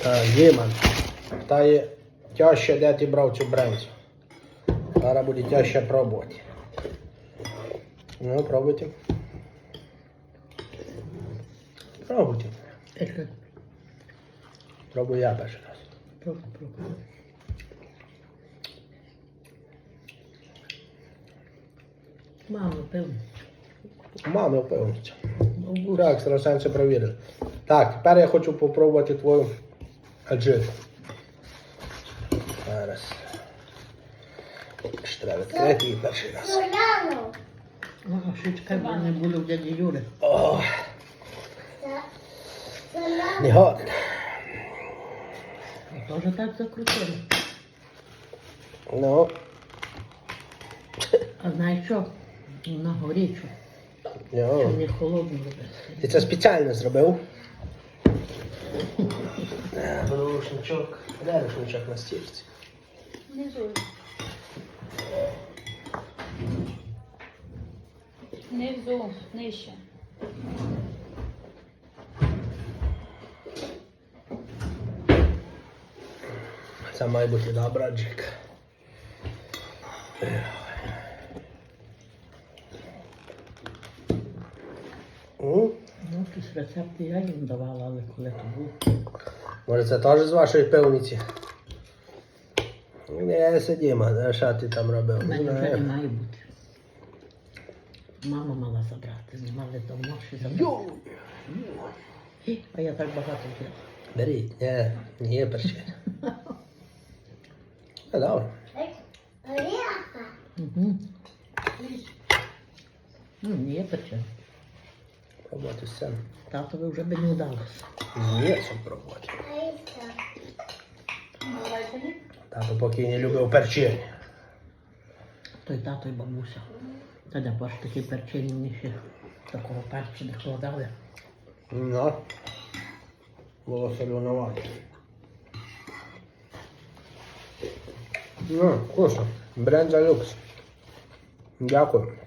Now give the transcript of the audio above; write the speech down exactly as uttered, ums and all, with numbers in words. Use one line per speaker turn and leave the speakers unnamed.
Діман, та є тяжче, де ти брав цю брензу. Зараз буде тяжче пробувати. Ну, пробуйте. Пробуйте.
Пробуй,
Пробую я перший раз.
пробуй, пробуй. Мало, певно.
Мама впевниться.
Ну,
Так, екстрасенси провірили. Так, тепер я хочу попробувати твою аджиту. Зараз. Ще треба відкрити її перший раз.
Ну, а ще чекай, бо не було в дяді Юри.
О, не годен.
Тоже так закрутили.
Ну,
А знаєш що? На горічу.
йо.
Щоб не холодно робити.
Ти це спеціально зробив? Е, Рушничок. Де рушничок на стільці?
Внизу. Внизу, нижче.
Це має бути добра джика. М?
Ну, якісь рецепти я їм давала, але коли то був.
Може це теж з вашої пивниці? Не, сидімо, а що ти там робив?
У мене
Ну,
вже не має бути. Мама мала забрати, не мали давно ще забрати.
Йой!
І, А я так багато взяла.
Беріть, не, не є перчень. Ну, добре.
Угу. Ну, не є пече.
Пробувати сцену.
Татові вже би не вдалося.
З м'ясом пробувати.
Давайте ні.
Тато поки не любив перчень.
Той тато і бабуся. Та де бачиш, такі перчені мені ще такого перцю не кладали.
Ну, було соленовато. Ну, вкусно. Бренза люкс. Дякую.